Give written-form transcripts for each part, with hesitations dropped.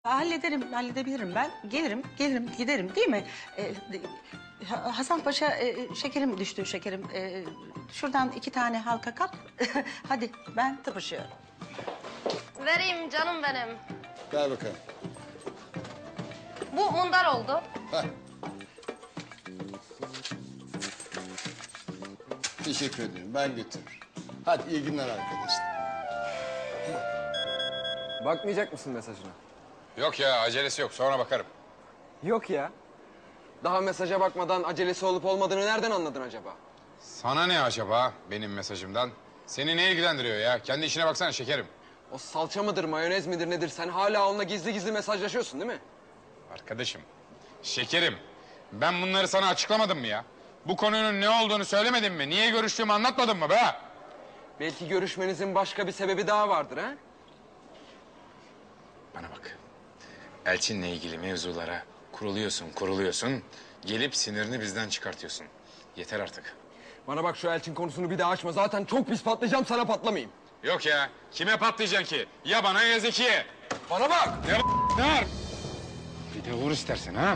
Halledebilirim ben. Gelirim, giderim değil mi? Hasan Paşa, şekerim düştü şekerim. Şuradan 2 tane halka kap. Hadi ben tıpışıyorum. Vereyim canım benim. Ver bakalım. Bu mundar oldu. Heh. Teşekkür ederim. Ben götürürüm. Hadi iyi günler arkadaşlar. Bakmayacak mısın mesajına? Yok ya, acelesi yok. Sonra bakarım. Yok ya. Daha mesaja bakmadan acelesi olup olmadığını nereden anladın acaba? Sana ne acaba benim mesajımdan? Seni ne ilgilendiriyor ya? Kendi işine baksana şekerim. O salça mıdır, mayonez midir nedir? Sen hala onunla gizli gizli mesajlaşıyorsun değil mi? Arkadaşım, şekerim. Ben bunları sana açıklamadım mı ya? Bu konunun ne olduğunu söylemedim mi? Niye görüştüğümü anlatmadım mı be? Belki görüşmenizin başka bir sebebi daha vardır ha? Bana bak. Elçinle ilgili mevzulara kuruluyorsun. Gelip sinirini bizden çıkartıyorsun. Yeter artık. Bana bak, şu Elçin konusunu bir daha açma. Zaten çok pis patlayacağım, sana patlamayayım. Yok ya, kime patlayacaksın ki? Ya bana ya Zekiye. Bana bak! Ne var? Bir de vur istersen ha.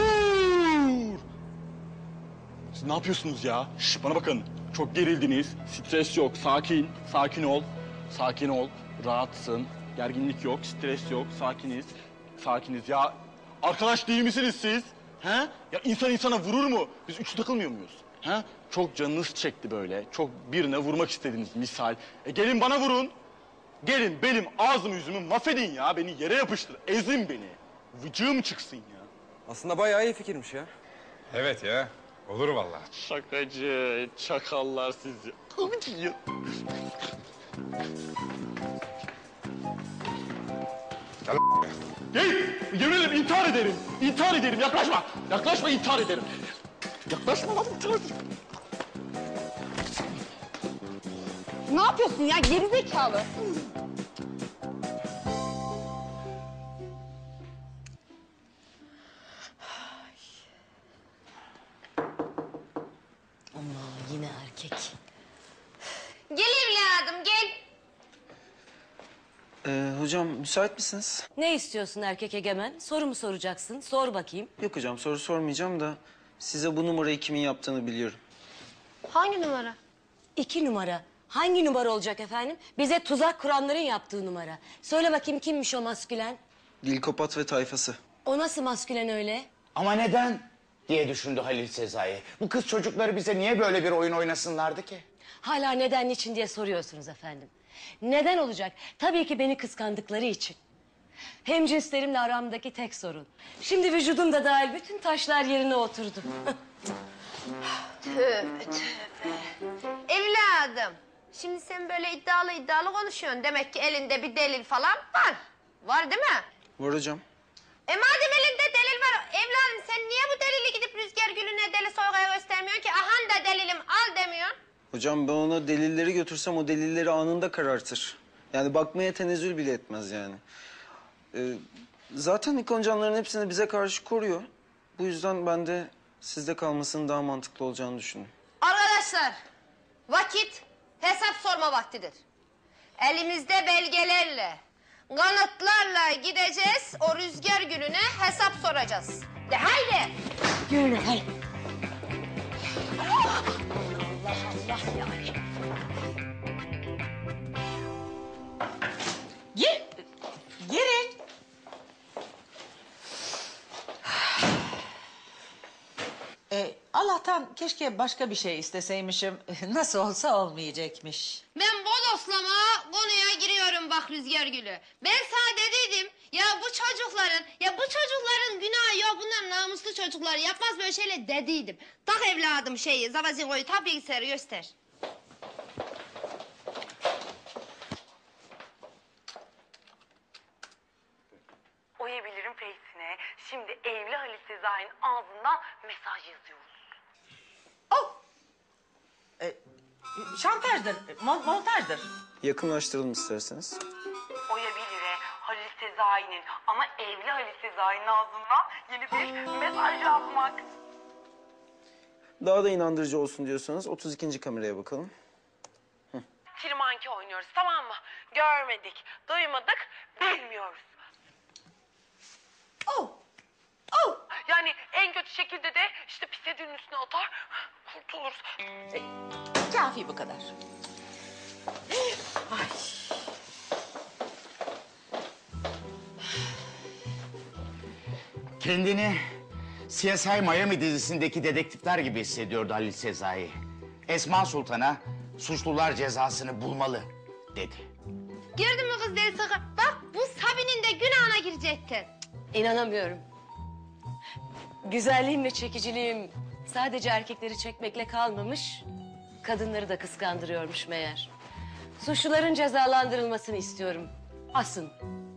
Siz ne yapıyorsunuz ya? Şş, bana bakın. Çok gerildiniz. Stres yok. Sakin. Sakin ol. Sakin ol. Rahatsın. Gerginlik yok. Stres yok. Sakiniz. Sakiniz. Ya arkadaş değil misiniz siz? He? Ya insan insana vurur mu? Biz üçlü takılmıyor muyuz? He? Çok canınız çekti böyle. Çok birine vurmak istediniz misal. Gelin bana vurun. Gelin benim ağzımı yüzümü mahvedin ya. Beni yere yapıştır. Ezin beni. Vıcığım çıksın ya. Aslında bayağı iyi fikirmiş ya. Evet ya, olur vallahi. Şakacı, çakallar sizi. Gel, yemin ederim intihar ederim. İntihar ederim, yaklaşma. Yaklaşma, intihar ederim. Yaklaşma lan, intihar ederim. Ne yapıyorsun ya gerizekalı? Ama yine erkek. Gel evladım gel. Hocam müsait misiniz? Ne istiyorsun erkek egemen? Soru mu soracaksın? Sor bakayım. Yok hocam soru sormayacağım da size bu numarayı kimin yaptığını biliyorum. Hangi numara? 2 numara. Hangi numara olacak efendim? Bize tuzak kuranların yaptığı numara. Söyle bakayım kimmiş o maskülen? Dilkopat ve tayfası. O nasıl maskülen öyle? Ama neden diye düşündü Halil Sezai. Bu kız çocukları bize niye böyle bir oyun oynasınlardı ki? Hala neden niçin diye soruyorsunuz efendim. Neden olacak? Tabii ki beni kıskandıkları için. Hemcinslerimle aramdaki tek sorun. Şimdi vücudum da dahil bütün taşlar yerine oturdu. Tövbe tövbe. Evladım. Şimdi sen böyle iddialı konuşuyorsun. Demek ki elinde bir delil falan var. Var değil mi? Var hocam. Madem elinde delil var evladım sen niye bu delili gidip Rüzgar Gülü'ne Deli Soyga'ya göstermiyorsun ki? Ahan da delilim al demiyorsun. Hocam ben ona delilleri götürsem o delilleri anında karartır. Yani bakmaya tenezzül bile etmez yani. Zaten ikoncanların hepsini bize karşı koruyor. Bu yüzden ben de sizde kalmasının daha mantıklı olacağını düşündüm. Arkadaşlar vakit hesap sorma vaktidir. Elimizde belgelerle, kanıtlarla gideceğiz o Rüzgar Gülü'ne hesap soracağız. De haydi. Yürü hadi. Girin. Allah'tan keşke başka bir şey isteseymişim. Nasıl olsa olmayacakmış. Ben bodoslama konuya giriyorum bak Rüzgar Gülü. Ben sana dediydim bu çocukların günahı yok bunlar namuslu çocuklar yapmaz böyle şeyler dediydim. Tak evladım zavazingoyu tak bilgisayarı göster. Oyabilirim Face'ine. Şimdi evli Halil Sezai'nin ağzından mesaj yazıyoruz. Şantajdır, montajdır. Yakınlaştıralım isterseniz. Oyabilir'e Halil Sezai'nin ama evli Halil Sezai'nin ağzından yeni bir mesaj yazmak. Daha da inandırıcı olsun diyorsanız 32. kameraya bakalım. Kirmanki oynuyoruz tamam mı? Görmedik, duymadık, bilmiyoruz. işte pis yediğinin üstüne atar, kurtuluruz. Kafi bu kadar. Ay. Kendini CSI Miami dizisindeki dedektifler gibi hissediyordu Halil Sezai. Esma Sultan'a suçlular cezasını bulmalı dedi. Gördün mü kız deli sakın? Bak bu Sabi'nin de günahına girecektin. İnanamıyorum. Güzelliğim ve çekiciliğim sadece erkekleri çekmekle kalmamış, kadınları da kıskandırıyormuş meğer. Suçluların cezalandırılmasını istiyorum. Asın.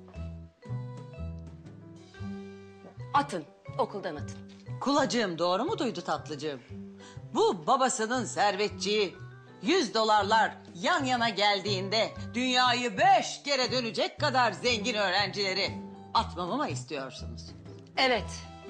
Atın, okuldan atın. Kulacığım doğru mu duydu tatlıcığım? Bu babasının servetçiyi $100 yan yana geldiğinde dünyayı 5 kere dönecek kadar zengin öğrencileri atmamı mı istiyorsunuz? Evet.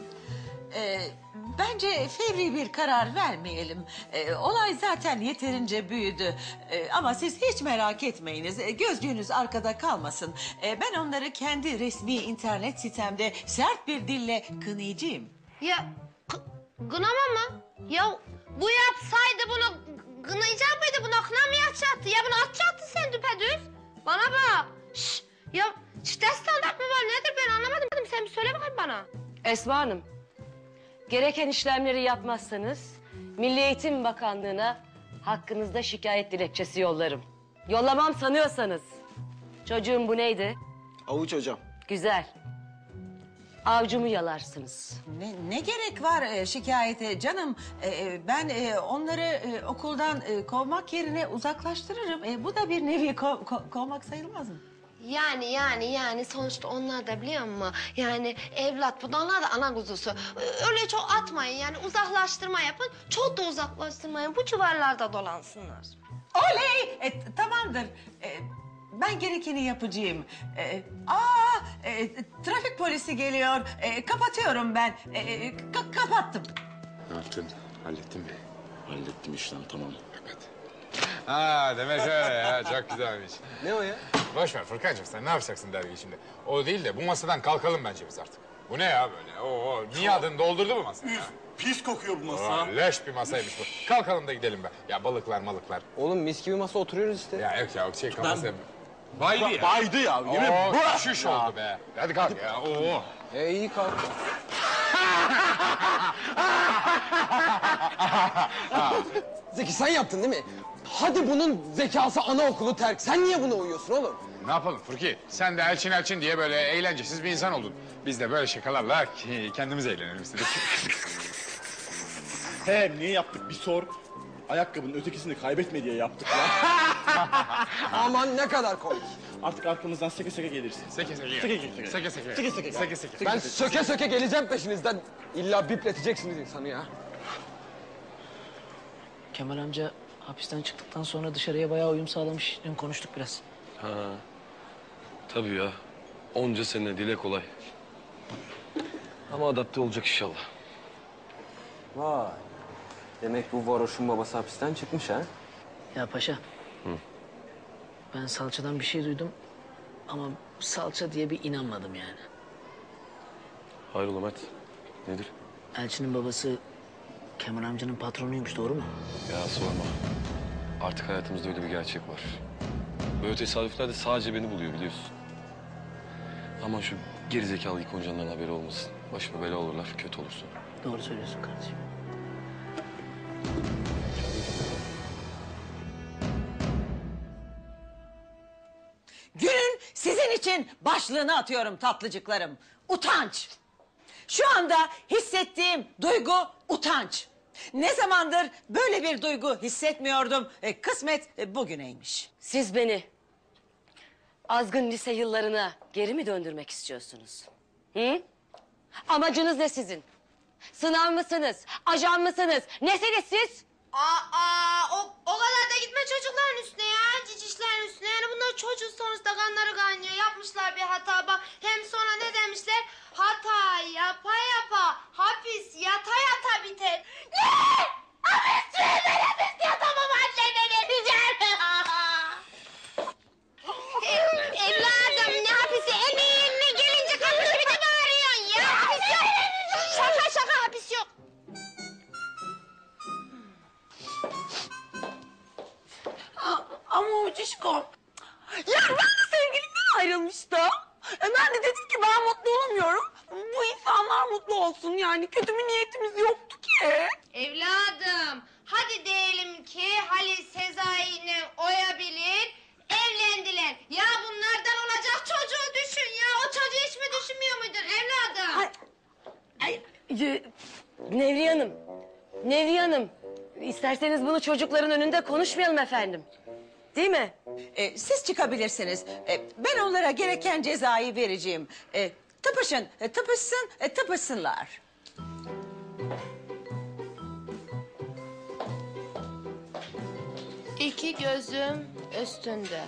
Bence fevri bir karar vermeyelim. Olay zaten yeterince büyüdü. Ama siz hiç merak etmeyiniz. Gözcüğünüz arkada kalmasın. Ben onları kendi resmi internet sitemde sert bir dille kınayacağım. Ya kınama mı? Ya bu yapsaydı bunu kınayacak mıydı? Buna kınamayacaktı. Ya bunu atacaktı sen düpedüz. Bana bak. Şş, ya çifte standart mı var nedir ben anlamadım. Sen bir söyle bakayım bana. Esma Hanım, gereken işlemleri yapmazsanız Milli Eğitim Bakanlığı'na hakkınızda şikayet dilekçesi yollarım. Yollamam sanıyorsanız. Çocuğum bu neydi? Avuç hocam. Güzel. Avcumu yalarsınız. Ne gerek var şikayete canım? Ben onları okuldan kovmak yerine uzaklaştırırım. Bu da bir nevi kovmak sayılmaz mı? Yani sonuçta onlar da biliyor musun? Yani evlat bu da onlar da ana kuzusu. Öyle çok atmayın yani uzaklaştırma yapın. Çok da uzaklaştırmayın bu civarlarda dolansınlar. Oley! Tamamdır. Ben gerekeni yapacağım. Trafik polisi geliyor. Kapatıyorum ben. Kapattım. Ne yaptın? Hallettin mi? Hallettim işlem tamam. Ha demek öyle ya. Çok güzelmiş. Ne o ya? Boş ver Furkancığım sen ne yapacaksın dergi şimdi? O değil de bu masadan kalkalım bence biz artık. Bu ne ya böyle? Niye adını doldurdu bu masa ya? Pis kokuyor bu masa. Leş bir masaymış bu. Kalkalım da gidelim be. Ya balıklar malıklar. Oğlum mis gibi masa oturuyoruz işte. Ya yok ya şey kafası... Baydı ya. Baydı ya. Yemin Şuş oldu be. Hadi kalk ya. İyi kalk. Zeki sen yaptın değil mi? Hadi bunun zekası anaokulu terk. Sen niye buna uyuyorsun oğlum? Ne yapalım Furki? Sen de Elçin diye böyle eğlencesiz bir insan oldun. Biz de böyle şakalarla kendimiz eğlenelim istedik. niye yaptık bir sor. Ayakkabının ötekisini kaybetme diye yaptık ya. Aman ne kadar komik. Artık arkamızdan seke seke gelirsin. Seke. Ben söke söke geleceğim peşinizden. İlla bipleteceksiniz insanı ya. Kemal amca hapisten çıktıktan sonra dışarıya bayağı uyum sağlamış. Dün konuştuk biraz. Ha, tabii ya. Onca sene dile kolay. Ama adapte olacak inşallah. Vay. Demek bu varoşun babası hapisten çıkmış ha? Ya paşa. Ben salçadan bir şey duydum. Ama salça diye bir inanmadım yani. Hayrola Mert? Nedir? Elçinin babası Kemal amcanın patronuymuş, doğru mu? Ya sorma. Artık hayatımızda öyle bir gerçek var. Böyle tesadüfler de sadece beni buluyor biliyorsun. Ama şu gerizekalı ikoncandan haberi olmasın. Başıma bela olurlar, kötü olursun. Doğru söylüyorsun kardeşim. Günün sizin için başlığını atıyorum tatlıcıklarım. Utanç. Şu anda hissettiğim duygu utanç. Ne zamandır böyle bir duygu hissetmiyordum. Kısmet bugüneymiş. Siz beni azgın lise yıllarına geri mi döndürmek istiyorsunuz? Hı? Amacınız ne sizin? Sınav mısınız? Ajan mısınız? Nesiniz siz? O kadar da gitme çocukların üstüne ya. Cicişlerin üstüne. Yani bunlar çocuk sonuçta kanları kaynıyor. Yapmışlar bir hata bak. Hem sonra ne demişler? Hata yapa yapa hapis yata yata biter. Ne? Hapis diyor ben hapis yatamam annene vereceğim. Evladım ne hapisi? Eline gelince kapı gibi de bağırıyorsun ya. Hapis yok. Şaka hapis yok. Dişkom. Ya ben de sevgilimden ayrılmıştım. Ben de dedim ki ben mutlu olamıyorum. Bu insanlar mutlu olsun yani. Kötü bir niyetimiz yoktu ki. Evladım, hadi diyelim ki Halil Sezai'yle Oya bilir, evlendiler. Ya bunlardan olacak çocuğu düşün ya. O çocuğu hiç mi düşünmüyor muydun evladım? Nevriye Hanım. Nevriye Hanım. İsterseniz bunu çocukların önünde konuşmayalım efendim. Değil mi? Siz çıkabilirsiniz. Ben onlara gereken cezayı vereceğim. Tıpışın, tıpışsınlar. İki gözüm üstünde.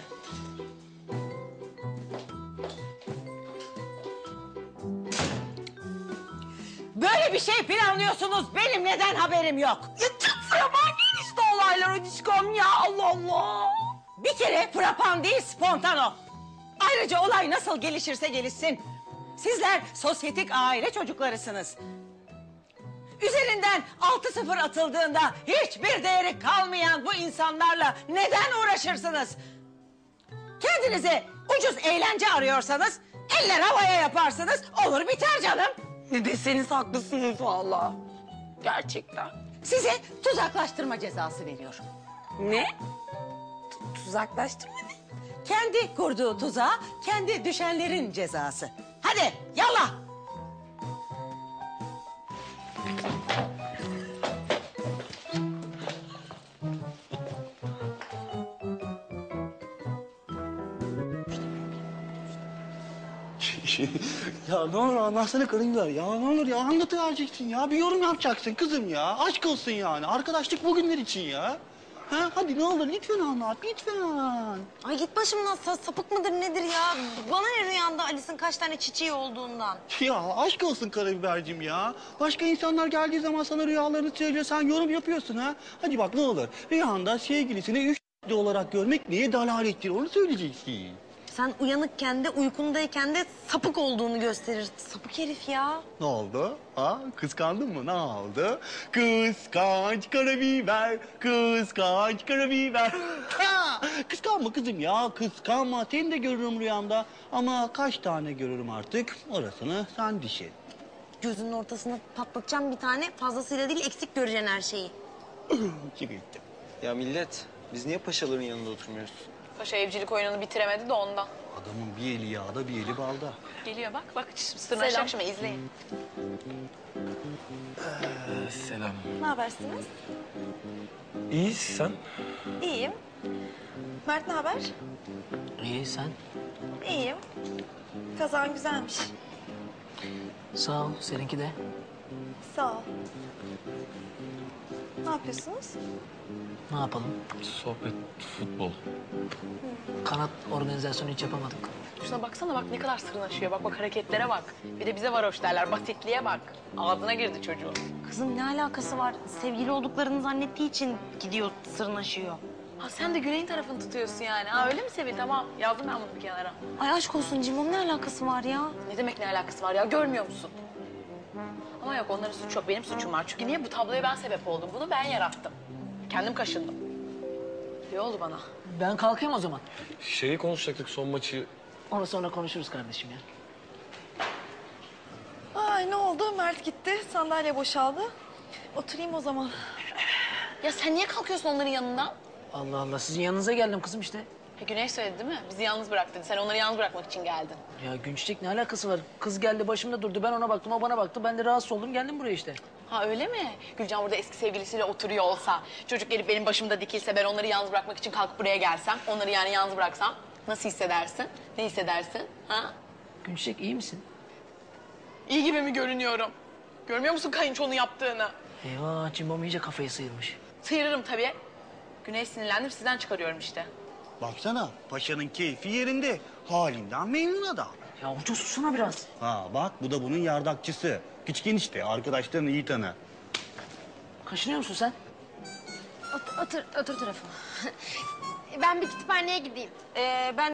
Böyle bir şey planlıyorsunuz. Benim neden haberim yok? Ya çok frapan gelişti olaylar Dişkom ya. Allah Allah. Bir kere frapan değil, spontano. Ayrıca olay nasıl gelişirse gelişsin. Sizler sosyetik aile çocuklarısınız. Üzerinden 6-0 atıldığında hiçbir değeri kalmayan bu insanlarla neden uğraşırsınız? Kendinize ucuz eğlence arıyorsanız eller havaya yaparsınız, olur biter canım. Ne deseniz haklısınız valla. Gerçekten. Size tuzaklaştırma cezası veriyorum. Ne? Tuzaklaştırma ne? Kendi kurduğu tuzağa kendi düşenlerin cezası. Hadi yallah. Ya ne olur anlatsana karınlar ya. Ne olur ya anlatıvereceksin ya. Bir yorum yapacaksın kızım ya. Aşk olsun yani. Arkadaşlık bugünler için ya. Ha, hadi ne olur lütfen anlat lütfen. Ay git başımdan, sapık mıdır nedir ya? Bana ne rüyanda Alice'in kaç tane çiçeği olduğundan? Ya aşk olsun karabiberciğim ya. Başka insanlar geldiği zaman sana rüyalarını söylüyor. Sen yorum yapıyorsun ha. Hadi bak ne olur. Rüyanda sevgilisini 3 olarak görmek neye dalalettir onu söyleyeceksin. Sen uyanıkken de uykundayken de sapık olduğunu gösterir. Sapık herif ya. Ne oldu? Ha? Kıskandın mı? Ne oldu? Kıskanç karabiber, kıskanç karabiber. Ha! Kıskanma kızım ya, kıskanma. Seni de görürüm rüyamda. Ama kaç tane görürüm artık? Orasını sen düşün. Gözünün ortasına patlatacağım bir tane. Fazlasıyla değil, eksik göreceksin her şeyi. Çık ettim. Ya millet, biz niye paşaların yanında oturmuyoruz? Paşa evcilik oyununu bitiremedi de ondan. Adamın bir eli yağda, bir eli balda. Geliyor bak sırnaşacak şimdi izleyin. Selam. Ne habersiniz? İyi sen? İyiyim. Mert ne haber? İyi sen? İyiyim. Kazan güzelmiş. Sağ ol. Seninki de. Sağ ol. Ne yapıyorsunuz? Ne yapalım? Sohbet, futbol. Kanat organizasyonu hiç yapamadık. Şuna baksana bak ne kadar sırnaşıyor. Bak hareketlere bak. Bir de bize varoş derler. Basitliğe bak. Ağzına girdi çocuğun. Kızım ne alakası var? Sevgili olduklarını zannettiği için gidiyor, sırnaşıyor. Ha sen de Güney'in tarafını tutuyorsun yani. Ha öyle mi Sevil? Tamam yazdım ben bunu bir kenara. Ay aşk olsun Cimom, ne alakası var ya? Ne demek ne alakası var ya görmüyor musun? Ama yok onların suçu yok. Benim suçum var. Çünkü niye bu tabloya ben sebep oldum? Bunu ben yarattım. Kendim kaşındım. İyi oldu bana. Ben kalkayım o zaman. Şeyi konuşacaktık son maçı. Onu sonra konuşuruz kardeşim ya. Ay ne oldu? Mert gitti, sandalye boşaldı. Oturayım o zaman. Ya sen niye kalkıyorsun onların yanından? Allah Allah, sizin yanınıza geldim kızım işte. Güney söyledi değil mi? Bizi yalnız bırak dedi. Sen onları yalnız bırakmak için geldin. Ya Günçiçek ne alakası var? Kız geldi başımda durdu, ben ona baktım, o bana baktı. Ben de rahatsız oldum, geldim buraya işte. Ha öyle mi? Gülcan burada eski sevgilisiyle oturuyor olsa, çocuk gelip benim başımda dikilse, ben onları yalnız bırakmak için kalkıp buraya gelsem, onları yani yalnız bıraksam nasıl hissedersin? Ne hissedersin? Ha? Günçiçek iyi misin? İyi gibi mi görünüyorum? Görmüyor musun kayınçonun yaptığını? Eyvah, Cimbom iyice kafayı sıyırmış. Sıyırırım tabii. Güney sinirlendim, sizden çıkarıyorum işte. Baksana paşanın keyfi yerinde. Halinden memnun adam. Ya ucu susuna biraz. Ha bak bu da bunun yardakçısı. Küçük enişte arkadaşlarını iyi tanı. Kaşınıyor musun sen? Otur tarafıma. Ben bir kütüphaneye gideyim. Ben